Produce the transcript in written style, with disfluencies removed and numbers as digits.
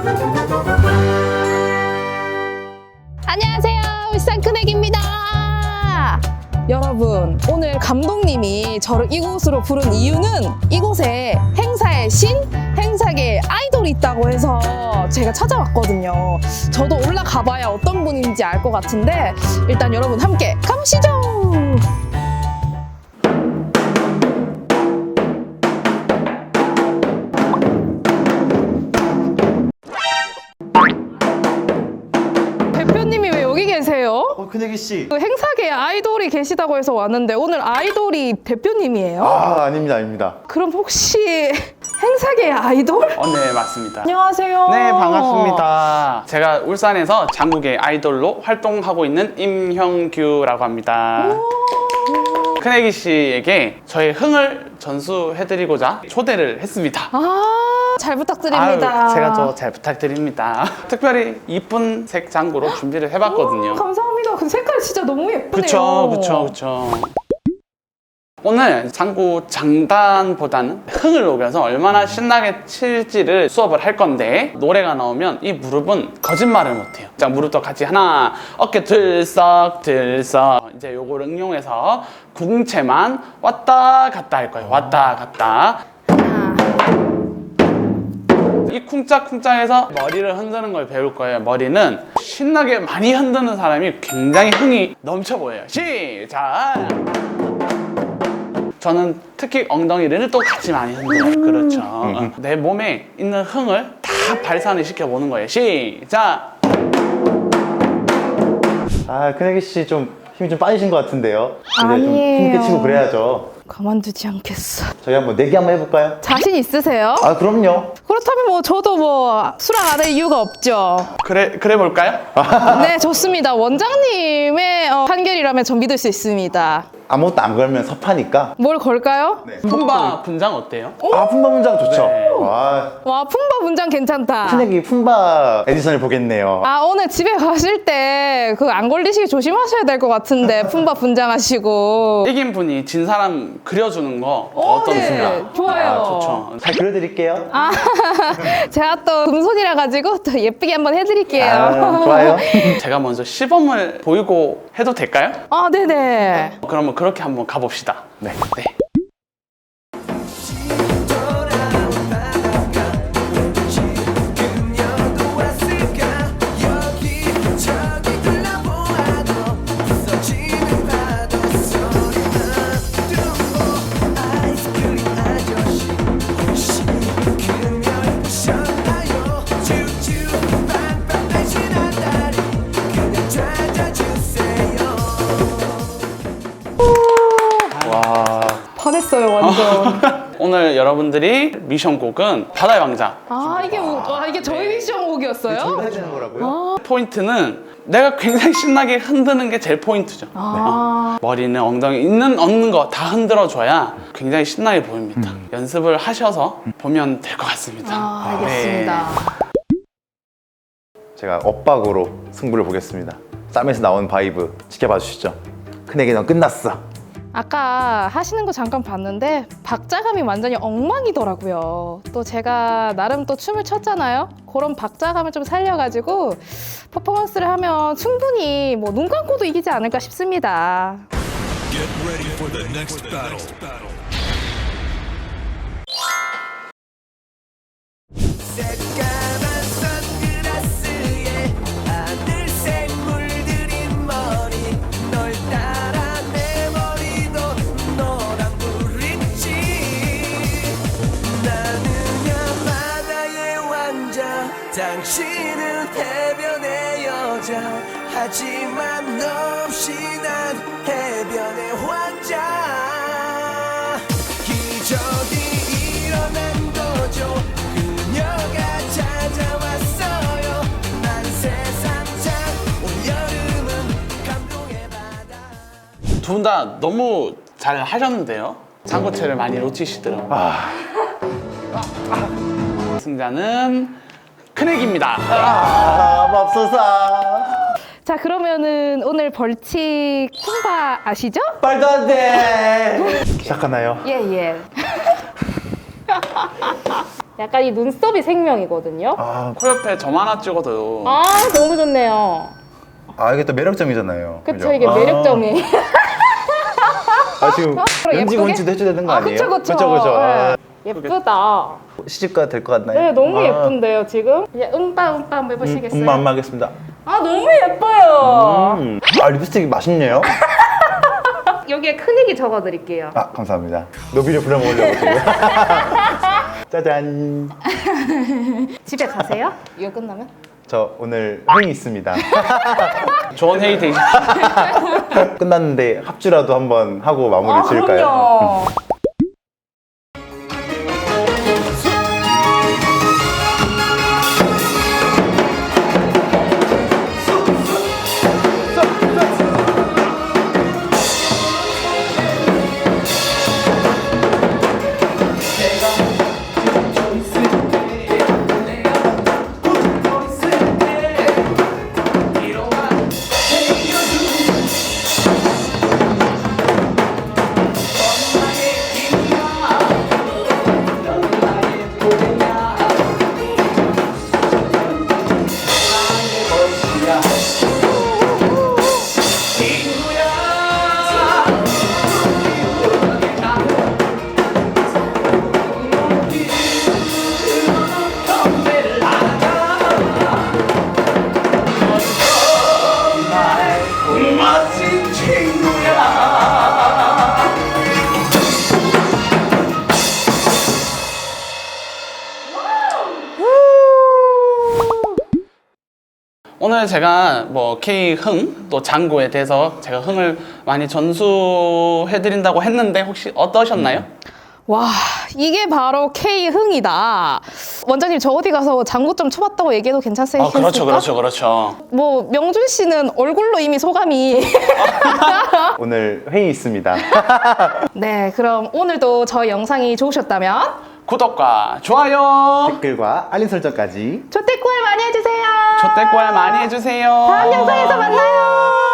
안녕하세요, 울산 큰애기입니다. 여러분, 오늘 감독님이 저를 이곳으로 부른 이유는 이곳에 행사의 신, 행사계의 아이돌이 있다고 해서 제가 찾아왔거든요. 저도 올라가봐야 어떤 분인지 알 것 같은데 일단 여러분 함께 가보시죠. 대표님이 왜 여기 계세요? 큰애기 씨. 그 행사계에 아이돌이 계시다고 해서 왔는데 오늘 아이돌이 대표님이에요? 아닙니다, 아닙니다. 그럼 혹시 행사계의 아이돌? 네, 맞습니다. 안녕하세요. 네, 반갑습니다. 제가 울산에서 장국의 아이돌로 활동하고 있는 임형규라고 합니다. 큰애기 씨에게 저의 흥을 전수해드리고자 초대를 했습니다. 잘 부탁드립니다. 아유, 제가 더 잘 부탁드립니다. 특별히 이쁜 색 장구로 준비를 해봤거든요. 감사합니다. 그 색깔이 진짜 너무 예쁘네요. 그쵸. 오늘 장구 장단보다는 흥을 녹여서 얼마나 신나게 칠지를 수업을 할 건데, 노래가 나오면 이 무릎은 거짓말을 못해요. 자, 무릎도 같이 하나, 어깨 들썩 이제 요거를 응용해서 궁체만 왔다 갔다 할 거예요. 왔다 갔다. 이 쿵짝쿵짝해서 머리를 흔드는 걸 배울 거예요. 머리는 신나게 많이 흔드는 사람이 굉장히 흥이 넘쳐 보여요. 시작! 저는 특히 엉덩이를 또 같이 많이 흔들어요. 그렇죠. 내 몸에 있는 흥을 다 발산을 시켜보는 거예요. 시작! 큰애기 씨 좀 힘이 좀 빠지신 것 같은데요. 이제 좀 아니에요. 힘있게 치고 그래야죠. 가만두지 않겠어. 저희 한번 내기 한번 해볼까요? 자신 있으세요? 그럼요. 그렇다면 뭐 저도 뭐 수락 안 할 이유가 없죠. 그래 볼까요? 네, 좋습니다. 원장님의 판결이라면 전 믿을 수 있습니다. 아무것도 안 걸면 섭하니까. 뭘 걸까요? 품바 분장 어때요? 품바 문장 좋죠. 네. 와, 와, 품바 문장 괜찮다. 큰애기 품바 에디션을 보겠네요. 오늘 집에 가실 때 그 안 걸리시게 조심하셔야 될 것 같은데 품바 분장하시고. 이긴 분이 진 사람 그려주는 거 어떻습니까? 네, 좋아요. 좋죠. 잘 그려드릴게요. 제가 또 금손이라 가지고 또 예쁘게 한번 해드릴게요. 좋아요. 제가 먼저 시범을 보이고 해도 될까요? 네네. 그러면 그렇게 한번 가봅시다. 네. 와, 반했어요, 완전. 오늘 여러분들이 미션 곡은 바다의 왕자. 이게 저희 미션 곡이었어요? 저희가 해야 되는 거라고요? 포인트는 내가 굉장히 신나게 흔드는 게 제일 포인트죠. 머리는 엉덩이 있는 없는 거 다 흔들어줘야 굉장히 신나게 보입니다. 연습을 하셔서 보면 될 것 같습니다. 알겠습니다. 제가 엇박으로 승부를 보겠습니다. 쌈에서 나온 바이브 지켜봐 주시죠. 큰애기 넌 끝났어. 아까 하시는 거 잠깐 봤는데 박자감이 완전히 엉망이더라고요. 또 제가 나름 또 춤을 췄잖아요. 그런 박자감을 좀 살려가지고 퍼포먼스를 하면 충분히 뭐 눈 감고도 이기지 않을까 싶습니다. Get ready for the next battle. 새까만 선글라스에 하늘색 물들인 머리 널 따라 내 머리도 노란불이지 나는야 바다의 왕자 당신은 해변의 여자 하지만 너 없이 난 해변의 왕자 기적이 일어난 거죠 그녀가 찾아왔어요 난 세상 참 올여름은 감동의 바다 두 분 다 너무 잘 하셨는데요. 장구채를 많이 놓치시더라고요. 승자는 큰애기입니다. 맙소사. 자, 그러면은 오늘 벌칙 품바 아시죠? 말도 안 돼. 시작하나요? 예. 약간 이 눈썹이 생명이거든요. 아, 코 옆에 점 하나 찍어도 아, 너무 좋네요. 이게 또 매력점이잖아요. 그쵸, 이게 매력점이. 지금 예쁘게? 연지 원치도 해줘야 되는 거 아니에요? 그쵸. 그쵸. 네. 예쁘다. 시집가 될 것 같나요? 네, 너무 예쁜데요, 지금? 이제 음빠 한번 해보시겠어요? 엄마 하겠습니다. 아, 너무 예뻐요. 립스틱이 맛있네요. 여기에 큰이기 적어드릴게요. 감사합니다. 노비를 부려먹으려고 지금. 짜잔. 집에 가세요? 이거 끝나면? 저 오늘 회의 있습니다. 좋은 회의 되시. 끝났는데 합주라도 한번 하고 마무리 지을까요? 그럼요. 오늘 제가 뭐 K 흥 또 장구에 대해서 제가 흥을 많이 전수해드린다고 했는데 혹시 어떠셨나요? 와, 이게 바로 K흥이다. 원장님, 저 어디 가서 장구 좀 쳐봤다고 얘기해도 괜찮으실까? 그렇죠. 뭐 명준 씨는 얼굴로 이미 소감이. 오늘 회의 있습니다. 네, 그럼 오늘도 저희 영상이 좋으셨다면 구독과 좋아요, 댓글과 알림 설정까지 조태꿀 많이 해주세요. 조태꿀 많이 해주세요. 다음 영상에서 만나요.